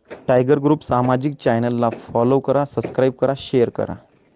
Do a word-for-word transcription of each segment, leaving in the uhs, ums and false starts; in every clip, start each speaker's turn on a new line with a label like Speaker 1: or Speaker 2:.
Speaker 1: Tiger group सामाजिक चॅनलला follow करा, सबस्क्राईब करा, शेअर करा.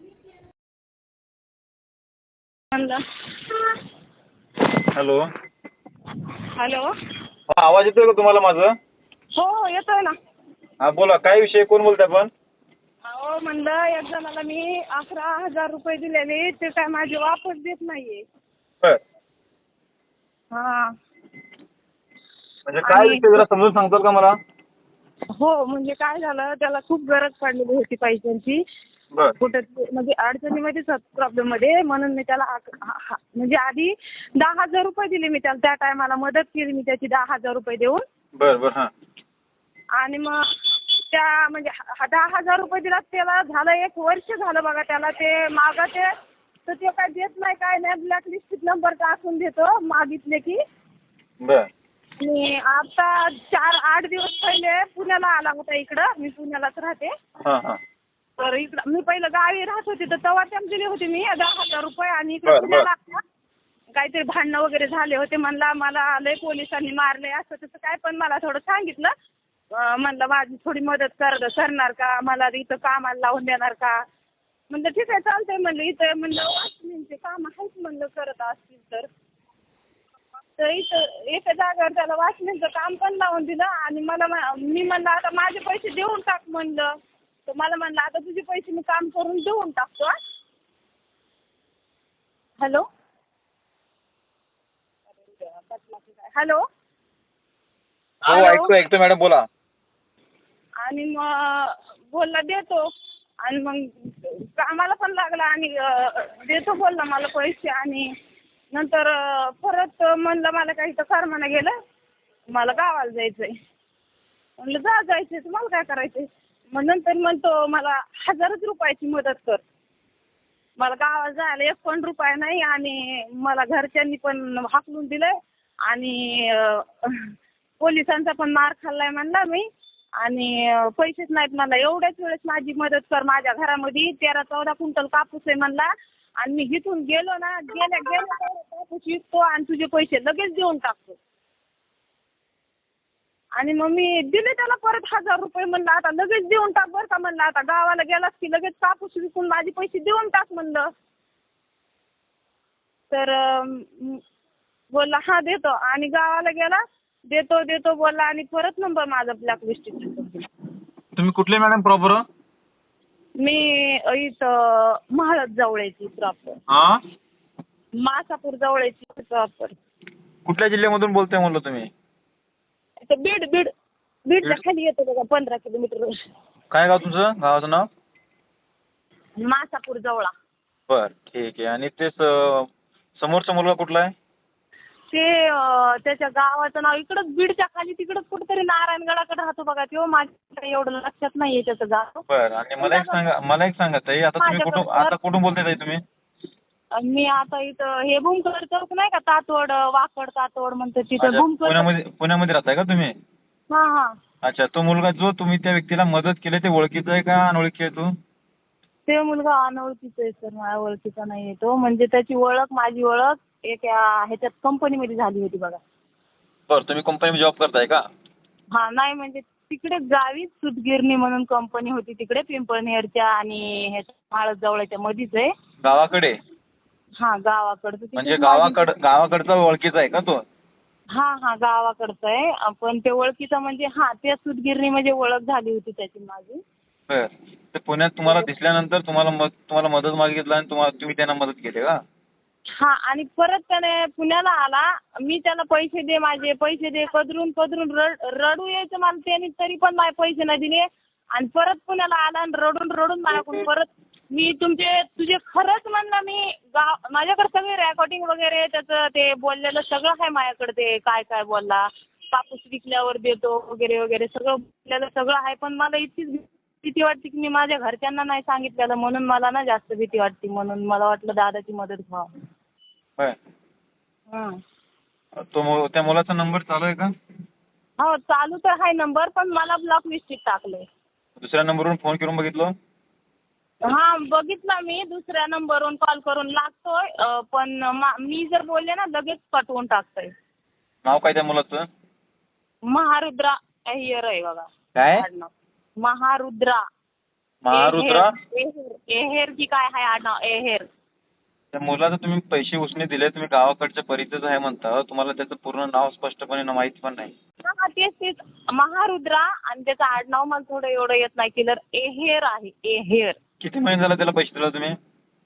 Speaker 2: हॅलो.
Speaker 3: हॅलो.
Speaker 2: हा, आवाज येतोय का तुम्हाला माझा?
Speaker 3: हो येतोय ना.
Speaker 2: हा बोला, काय विषय, कोण बोलताय आपण?
Speaker 3: अहो म्हणलं एक जणाला मी अकरा हजार रुपये दिलेले, ते काय माझे वापस देत नाहीये.
Speaker 2: बर.
Speaker 3: हा.
Speaker 2: म्हणजे काय
Speaker 3: आणि
Speaker 2: विषय, जरा समजून सांगताल का मला?
Speaker 3: हो, म्हणजे काय झालं, त्याला खूप गरज पडलेली होती पैशांची.
Speaker 2: बर.
Speaker 3: कुठे म्हणजे अडचणीमध्येच प्रॉब्लेम मध्ये, म्हणून मी त्याला आक- हा- हा- म्हणजे आधी दहा हजार रुपये दिले मी त्याला. त्या टायमाला मदत केली मी त्याची दहा हजार रुपये देऊन.
Speaker 2: बर बर. हा.
Speaker 3: आणि मग त्या म्हणजे हा- दहा हजार रुपये दिला, त्याला झालं एक वर्ष झालं बघा. त्याला ते मागं ते तर ते काय देत नाही, काय नाही, ब्लॅक लिस्टीत नंबर टाकून देतो मागितले की.
Speaker 2: बर.
Speaker 3: आणि आता चार आठ दिवस पहिले पुण्याला आला होता इकडं. मी पुण्यालाच राहते.
Speaker 2: हा हा.
Speaker 3: तर इकडं मी पहिलं गावी राहत होते, तर तेव्हा त्यांना दिले होते मी दहा हजार रुपये. आणि इकडे
Speaker 2: बर,
Speaker 3: पुण्याला आला, काहीतरी भांडणं वगैरे झाले होते. म्हणला मला लय पोलिसांनी मारले, असं तसं काय. पण मला थोडं सांगितलं, अं, म्हणलं माझी थोडी मदत कर करणार का, मला इथं कामाला लावून देणार का. म्हणलं ठीक आहे चालतंय म्हणलं. इथं म्हणलं वाचनींचे काम आहेच म्हणलं, करत असतील तर. तर इथं एका जागेवर त्याला वाचनीचं काम पण लावून दिलं. आणि मला मा- मी म्हणलं आता माझे पैसे देऊन टाक म्हणलं. तर मला म्हणलं आता तुझे पैसे मी काम करून देऊन टाकतो. हॅलो. हॅलो.
Speaker 2: हो, ऐकतो ऐकतो मॅडम, बोला.
Speaker 3: आणि मग बोलला देतो. आणि मग कामाला पण लागला आणि अं, देतो बोलला मला पैसे. आणि नंतर अं, परत म्हणलं मला काही तर करमाना गेलं, मला गावाला जायचंय. म्हणलं जा जायचंय, तुम्हाला काय करायचंय. मग नंतर म्हणतो मला हजारच रुपयाची मदत कर. मला गावाला जायला एक पण रुपया नाही. आणि मला घरच्यांनी पण हाकलून दिलंय. आणि अं, पोलिसांचा पण मार खाल्लाय म्हणला मी. आणि अं, पैसेच नाहीत मला. एवढ्याच वेळेस माझी मदत कर. माझ्या घरामध्ये तेरा चौदा क्विंटल कापूस आहे म्हणला. आणि मी इथून गेलो ना, गेल्या गेल्या तेवढा कापूस विकतो आणि तुझे पैसे लगेच देऊन टाकतो. आणि मग मी दिले त्याला परत हजार रुपये. म्हणलं आता लगेच देऊन टाक बरं का. म्हणलं आता गावाला गेलास की लगेच कापूस विकून माझे पैसे देऊन टाक म्हणलं. तर अं, बोलला हा देतो. आणि गावाला गेला, देतो देतो बोलला. आणि परत नंबर माझा ब्लॅक लिस्टीत.
Speaker 2: तुम्ही कुठले मॅडम प्रॉपर?
Speaker 3: मी इथं महाळद जवळची प्रॉपर.
Speaker 2: हा.
Speaker 3: मासापूर जवळची प्रॉपर.
Speaker 2: कुठल्या जिल्ह्यामधून बोलताय म्हणलं तुम्ही?
Speaker 3: इथं बीड बीड बीडच्या खाली येतो बघा, पंधरा किलोमीटर.
Speaker 2: काय गाव तुमचं, गावाचं नाव?
Speaker 3: मासापूर जवळा.
Speaker 2: बर, ठीक आहे. आणि ते स- समोरचा मुलगा कुठला आहे?
Speaker 3: ते अं, त्याच्या गावाचं नाव इकडंच बीडच्या खाली तिकडंच कुठेतरी नारायणगडाकडे राहतो बघा. तो माझ्या एवढं लक्षात नाहीये त्याचं गाव.
Speaker 2: बर. आणि मला एक सांगा, मला एक सांगा ताई, आता तुम्ही कुठून
Speaker 3: माझ्याकडं
Speaker 2: आता कुठून बोलताय ताई तुम्ही?
Speaker 3: आणि मी आता इथं हे भूमकर चौक नाही का, तातवड वाकड तातवड म्हणते तिथं
Speaker 2: अच्छा,
Speaker 3: भूमकर.
Speaker 2: पुण्यामध्ये पुण्यामध्ये राहताय का तुम्ही?
Speaker 3: हां हां.
Speaker 2: अच्छा, तो मुलगा जो तुम्ही त्या व्यक्तीला मदत केली ते ओळखीचा आहे का अनोळखी आहे तो?
Speaker 3: ते मुलगा अनोळखीचा आहे सर, माझ्या ओळखीचा नाही आहे तो. म्हणजे त्याची ओळख माझी ओळख एक या- ह्याच्यात कंपनीमध्ये झाली होती बघा.
Speaker 2: बरं, तुम्ही कंपनीमध्ये जॉब करताय का?
Speaker 3: हां नाही म्हणजे तिकडे गावीच सूतगिरणी म्हणून कंपनी होती तिकडे पिंपळनेरच्या आणि ह्याच्या माळद जवळच्या मध्येच आहे.
Speaker 2: गावाकडे?
Speaker 3: हां गावाकडचं.
Speaker 2: म्हणजे गावाकड गावाकडचा ओळखीचा आहे का तो?
Speaker 3: हां हां गावाकडचं आहे. पण ते ओळखीचं म्हणजे हां त्या सूतगिरणी म्हणजे ओळख झाली होती त्याची माझी.
Speaker 2: बर. ते पुण्यात तुम्हाला दिसल्यानंतर तुम्हाला मद तुम्हाला मदत मागितलं आणि तुम्हाला तुम्ही त्यांना मदत केली का?
Speaker 3: हां आणि परत त्याने पुण्याला आला. मी त्याला पैसे दे, माझे पैसे दे, कदरून कदरून रड रडू यायचं मला त्याने, तरी पण माझे पैसे नाही दिले. आणि परत पुण्याला आला आणि रडून रडून माझ्याकडून परत मी तुमचे तुझे खरंच म्हणलं मी गाव माझ्याकडे सगळे रेकॉर्डिंग वगैरे त्याचं ते बोललेलं सगळं आहे माझ्याकडे. ते काय काय बोलला, कापूस विकल्यावर देतो वगैरे वगैरे सगळं बोललेलं सगळं आहे. पण मला इतकीच भीती वाटते की मी माझ्या घरच्यांना नाही सांगितलेलं, म्हणून मला ना जास्त भीती वाटते. म्हणून मला वाटलं दादाची मदत व्हावं.
Speaker 2: बर.
Speaker 3: हां.
Speaker 2: तो मु- त्या मुलाचा नंबर चालू आहे का?
Speaker 3: हो चालू तर आहे नंबर, पण मला ब्लॉक लिस्टीत टाकलंय.
Speaker 2: दुसऱ्या नंबरवरून फोन करून बघितलं?
Speaker 3: हां बघितला मी. दुसऱ्या नंबरवरून कॉल करून लागतोय. अं, पण मा- मी जर बोलले ना लगेच कटवून टाकतोय.
Speaker 2: नाव काय त्या मुलाचं?
Speaker 3: महारुद्रा अय्यर आहे बघा
Speaker 2: काय?
Speaker 3: आडनाव. महारुद्रा.
Speaker 2: महारुद्रा.
Speaker 3: एहेर एहेर की काय आहे आडनाव एहेर.
Speaker 2: त्या मुलाला तुम्ही पैसे उसने दिले, तुम्ही गावाकडच्या परिचयच आहे म्हणता, तुम्हाला त्याचं पूर्ण नाव स्पष्टपणे माहिती पण नाही.
Speaker 3: हा तेच तेच महारुद्रा आणि त्याचं आडनाव मला थोडं एवढं येत नाही क्लिअर. एहेर आहे एहेर.
Speaker 2: किती महिने झाला त्याला पैसे दिला तुम्ही?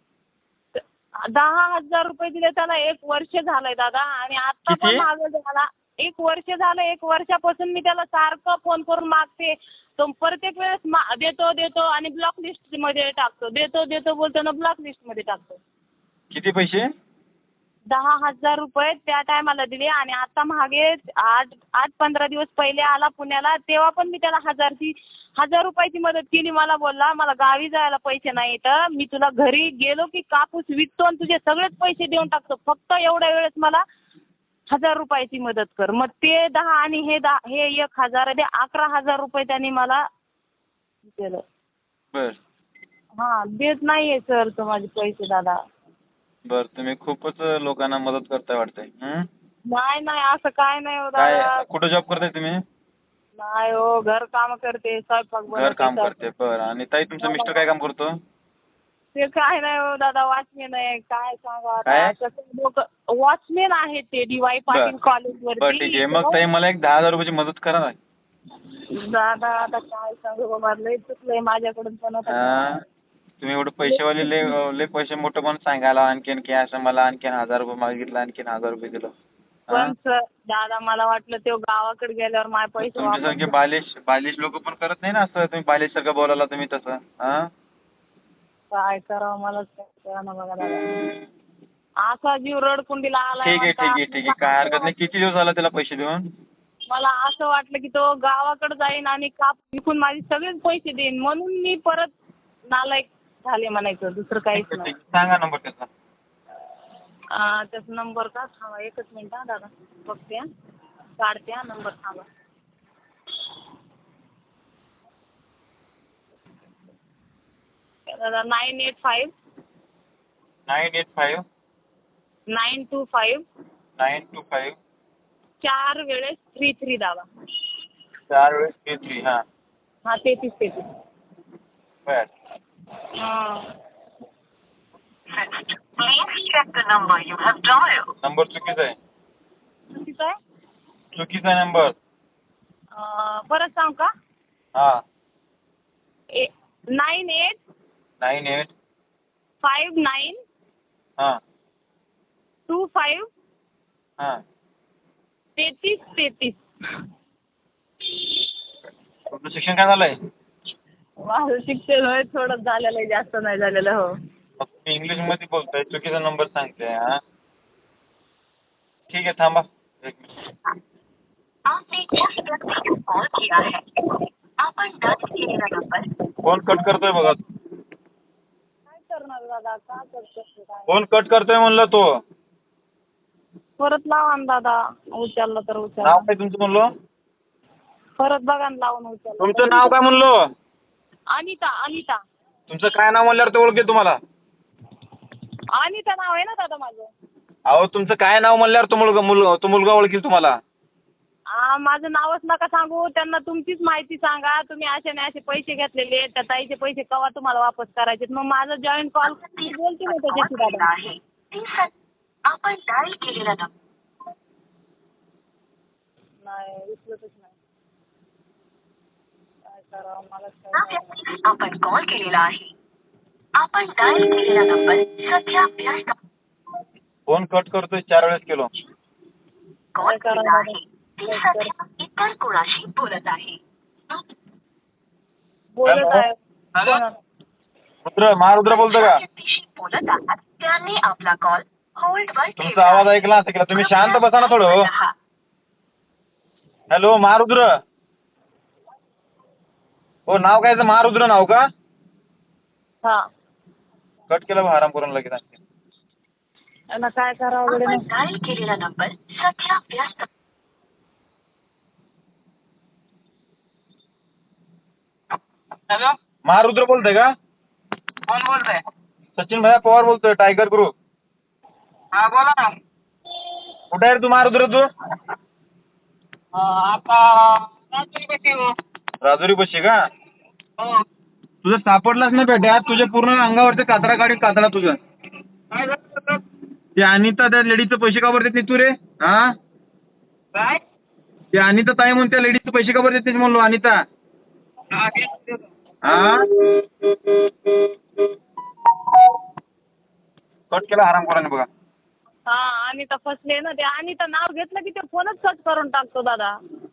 Speaker 3: दहा हजार रुपये दिले त्याला. एक वर्ष झालंय दादा आणि आता पण
Speaker 2: किती?
Speaker 3: मागं झाला. एक वर्ष झालं. एक वर्षापासून मी त्याला सारखं फोन करून मागते. तो प्रत्येक वेळेस मा देतो देतो आणि ब्लॉक लिस्ट मध्ये टाकतो. देतो देतो बोलतो ना ब्लॉक लिस्ट मध्ये टाकतो.
Speaker 2: किती पैसे?
Speaker 3: दहा हजार रुपये त्या टायमाला दिले आणि आता मागे आठ आठ पंधरा दिवस पहिले आला पुण्याला, तेव्हा पण मी त्याला हजारची हजार रुपयाची मदत केली. मला बोलला मला गावी जायला पैसे नाही तर मी तुला घरी गेलो की कापूस विकतो आणि तुझे सगळेच पैसे देऊन टाकतो, फक्त एवढ्या वेळेस मला हजार रुपयाची मदत कर. मग ते दहा आणि हे दहा हे एक हजार दे अकरा हजार रुपये त्यांनी मला केलं.
Speaker 2: बर
Speaker 3: हां देत नाहीये सर तो माझे पैसे दादा.
Speaker 2: बर तुम्ही खूपच लोकांना मदत करताय वाटतंय. हं?
Speaker 3: नाही नाही असं काय नाही हो
Speaker 2: काय
Speaker 3: दादा.
Speaker 2: कुठं जॉब करताय तुम्ही?
Speaker 3: नाही हो घर काम करते स्वयंपाक
Speaker 2: घर काम
Speaker 3: बनवते.
Speaker 2: करते. बर आणि ताई तुमचं मिस्टर काय काम करतो?
Speaker 3: ते काय नाही हो दादा वॉचमॅन आहे. काय सांगा
Speaker 2: काय?
Speaker 3: आता कसं लोक वॉचमॅन आहेत ते डी वाय पाटील कॉलेज
Speaker 2: बर ठीक आहे. मग
Speaker 3: वरती.
Speaker 2: ताई मला एक दहा हजार रुपयाची मदत करा ना.
Speaker 3: दादा आता काय सांगू बाबा लय चुकलंय माझ्याकडून पण आता.
Speaker 2: हा? तुम्ही एवढं पैसेवाले लय लय पैसे मोठं पण सांगायला आणखीन की असं मला आणखीन हजार रुपये मागितलं आणखीन हजार रुपये दिलं.
Speaker 3: पण सर दादा मला वाटलं ते गावाकडे गेल्यावर माझे पैसे
Speaker 2: तुमच्यासारखे
Speaker 3: वापस.
Speaker 2: बालिश बालिश लोक पण करत नाही ना असं. तुम्ही बालिश सारखं बोलायला तुम्ही तसं. हा
Speaker 3: काय करावं मलाच कळना ना बघा दादा. असा जीव रडकुंडीला आलाय
Speaker 2: ठीक आहे ठीक आहे ठीक आहे काय हरकत नाही. किती दिवस झाला त्याला पैसे देऊन?
Speaker 3: मला असं वाटलं की तो गावाकडे जाईन आणि काप विकून माझे सगळेच पैसे देईन म्हणून मी परत नालायक झाले म्हणायचं, दुसरं काहीच
Speaker 2: ठीक आहे,
Speaker 3: नाही.
Speaker 2: ठीक आहे. सांगा नंबर त्याचा.
Speaker 3: आ, त्याचा नंबर का थांबा एकच मिनिट हा दादा बघते हा. काढते हा नंबर थांबा. दादा nine eight five
Speaker 2: nine eight five
Speaker 3: nine two five
Speaker 2: nine two five
Speaker 3: चार वेळेस थ्री थ्री दादा.
Speaker 2: चार वेळेस थ्री थ्री हां
Speaker 3: हा तेहतीस तेहतीस.
Speaker 2: बर
Speaker 3: हां
Speaker 4: Please check the number you have dialed.
Speaker 2: Number चुकीचा आहे.
Speaker 3: चुकीचं आहे.
Speaker 2: चुकीचा नंबर.
Speaker 3: अं, परत सांग का.
Speaker 2: हां
Speaker 3: ए nine eight
Speaker 2: nine eight
Speaker 3: five nine
Speaker 2: हां
Speaker 3: टू फाईव्ह
Speaker 2: हां
Speaker 3: तेहतीस तेहतीस.
Speaker 2: तुमचं शिक्षण काय झालंय?
Speaker 3: माझं शिक्षण होय थोडं झालेलं आहे जास्त नाही झालेलं. हो
Speaker 2: मग तुम्ही इंग्लिशमध्ये बोलताय चुकीचा नंबर सांगते. हां ठीक आहे थांबा एक मिनिट.
Speaker 4: आपने जिस व्यक्ति को कॉल किया है आपण दर्ज केलेला नंबर.
Speaker 2: फोन कट करतोय बघा.
Speaker 3: काय करणार दादा का करतो काय.
Speaker 2: फोन कट करतोय म्हणलं तो.
Speaker 3: परत लावा ना दादा उचलला तर
Speaker 2: नाव
Speaker 3: उचलला.
Speaker 2: काय तुमचं म्हणलो?
Speaker 3: परत बघा ना लावून उचलला.
Speaker 2: तुमचं नाव काय म्हणलो?
Speaker 3: अनिता अनिता
Speaker 2: तुमचं काय नाव म्हणल्यावर ते ओळखेल तुम्हाला.
Speaker 3: अनिता नाव आहे ना दादा माझं.
Speaker 2: अहो तुमचं काय नाव म्हणल्यावर तो मुलगा मुल तो मुलगा ओळखेल तुम्हाला.
Speaker 3: आ, माझं नावच नका सांगू. त्यांना तुमचीच माहिती सांगा. तुम्ही असे नाही असे पैसे घेतलेले त्या ताईचे पैसे केव्हा तुम्हाला वापस करायचे. मग माझं जॉईंट कॉल बोलते ना
Speaker 4: कॉल
Speaker 3: त्याच्याशी
Speaker 4: केलेला
Speaker 3: दादा.
Speaker 4: आहे ती सर आपण डायल केलेला नंबर
Speaker 3: नाही उचलतच नाही. काय करावं मलाच
Speaker 4: त्या
Speaker 3: काय कळेना.
Speaker 4: व्यक्तीस आपण कॉल केलेला आहे. आपण डायल केलेला नंबर सध्या व्यस्त.
Speaker 2: फोन कट करतोय चार वेळेस केलो.
Speaker 4: कॉल केलेला आहे ती सध्या इतर कोणाशी बोलत आहे.
Speaker 3: बोलत आहे.
Speaker 2: हॅलो? रुद्र महारुद्र बोलतो का?
Speaker 4: ज्या व्यक्तीशी बोलत आहात त्यांनी आपला कॉल होल्डवर
Speaker 2: तुमचा आवाज ऐकला असं केला. तुम्ही शांत बसा ना थोडं. हॅलो महारुद्र. हो नाव काय महारुद्र नाव का?
Speaker 3: हा
Speaker 2: कट केला बा आराम करून लगेच आणखी.
Speaker 3: यांना काय करावं गड्या
Speaker 4: आपण
Speaker 3: मग.
Speaker 4: डायल केलेला नंबर सध्या व्यस्त.
Speaker 2: हॅलो महारुद्र बोलतोय का?
Speaker 5: कोण बोलतंय?
Speaker 2: सचिन भैया पवार बोलतोय टायगर ग्रुप.
Speaker 5: हा बोला ना.
Speaker 2: कुठे आहे रे तू महारुद्र तू?
Speaker 5: अं, आता रात्री कशी हो?
Speaker 2: राजुरी बशी का?
Speaker 5: हो.
Speaker 2: तुझं सापडलाच ना बेटा, तुझ्या पूर्ण अंगावरचे कातरा काढून कातरा तुझं.
Speaker 5: काय झालं सर?
Speaker 2: ते अनिता त्या लेडीचे पैसे का बरं देत नाही तू रे? हा?
Speaker 5: काय?
Speaker 2: ते अनिता ताई म्हणून त्या लेडीचे पैसे का बरं देत नाही म्हणलो अनिता?
Speaker 5: हा, तेच तेच.
Speaker 2: हा? कट केला हरामखोराने बघा.
Speaker 3: हा अनिता फसले ना ते. अनिता नाव घेतलं की ते फोनच कट करून टाकतो दादा.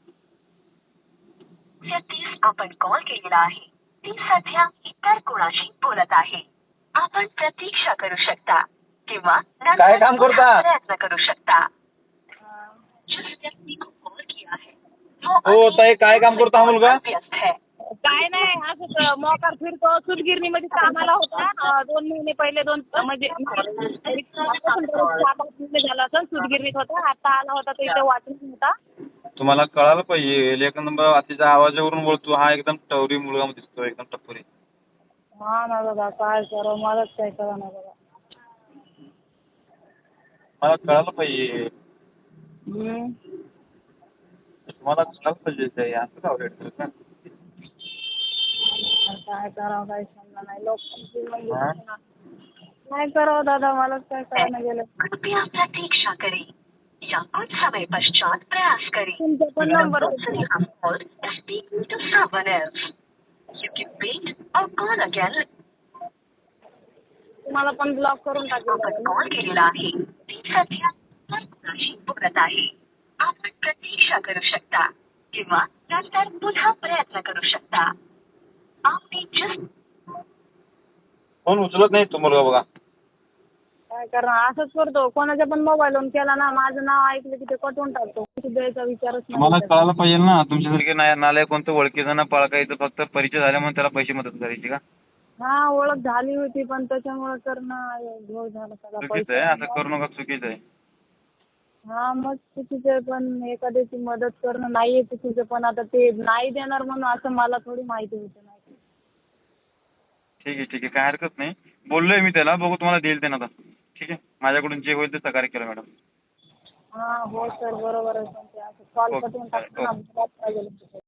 Speaker 4: व्यक्तीस आपण कॉल केलेला आहे ती सध्या इतर कोणाशी बोलत आहे. आपण प्रतीक्षा करू शकता किंवा नंतर
Speaker 2: काय काम करता?
Speaker 4: पुन्हा प्रयत्न करू शकता. जिस व्यक्ति को कॉल किया है वो
Speaker 2: हो
Speaker 4: अभी
Speaker 2: ताई, काय काम करतो हा मुलगा?
Speaker 4: व्यस्त है.
Speaker 3: काय नाही असंच मोकार फिरतो. सूतगिरणीमध्ये कामाला होता अं, दोन महिने पहिले दोन म्हणजे सात आठ महिने झाला असं सूतगिरणीत होता. आता आला होता तो इथे वाटून होता.
Speaker 2: तुम्हाला कळायला पाहिजे, एक नंबर तिच्या आवाजावरून बोलतो हा एकदम टवरी मुलगा दिसतो, एकदम टप्परी.
Speaker 3: हा ना दादा काय करावं मलाच काय करा ना दादा.
Speaker 2: मला कळायला पाहिजे,
Speaker 3: हम्म.
Speaker 2: तुम्हाला कळायला पाहिजे ते असं का रेट का?
Speaker 3: काय करावं काय समजा नाही. लोकांची म्हणजे
Speaker 2: हा?
Speaker 4: काय करावं दादा मलाच काय कळणं गेलं. कृपया प्रतीक्षा करें या कुछ समय पश्चात प्रयास करें.
Speaker 3: तुमचा पण number
Speaker 4: Speaking to someone else. You can wait or call again.
Speaker 3: तुम्हाला पण ब्लॉक करून
Speaker 4: आपण
Speaker 3: टाकेल.
Speaker 4: कॉल केलेला आहे ती सध्या इतर कोणाशी बोलत आहे. आपण प्रतीक्षा करू शकता किंवा नंतर पुन्हा प्रयत्न करू शकता. आपने just
Speaker 2: फोन उचलत नाही तो मुलगा बघा.
Speaker 3: काय करणार असंच करतो. कोणाच्या पण मोबाईलवरून केला ना माझं नाव ऐकलं की ते कटवून टाकतो. किती द्यायचा विचारच
Speaker 2: तुम्हाला
Speaker 3: नाही.
Speaker 2: कळायला पाहिजे ना, तुमच्यासारखे नाही नालायक कोणतं ओळखीचं ना पळकायचं, फक्त परिचय झाल्यामुळे त्याला पैसे मदत करायची का?
Speaker 3: हा ओळख झाली होती पण त्याच्यामुळे करणं घोळ झाला सगळा.
Speaker 2: चुकीचं आहे, असं करू नका, चुकीचं आहे.
Speaker 3: हा मग चुकीचं आहे पण एखाद्याची मदत करणं नाहीये चुकीचं, पण आता ते नाही देणार म्हणून असं मला थोडी माहिती होतं. नाही
Speaker 2: ठीक आहे ठीक आहे, काय हरकत नाही. बोललोय मी त्याला, बघू तुम्हाला देईल ते ना आता. ठीक आहे, माझ्याकडून जे होईल ते सहकार्य केलं मॅडम.
Speaker 3: हा हो सर बरोबर आहे. पण ते असं कॉल
Speaker 2: ओके.
Speaker 3: कटवून टाकतो ना.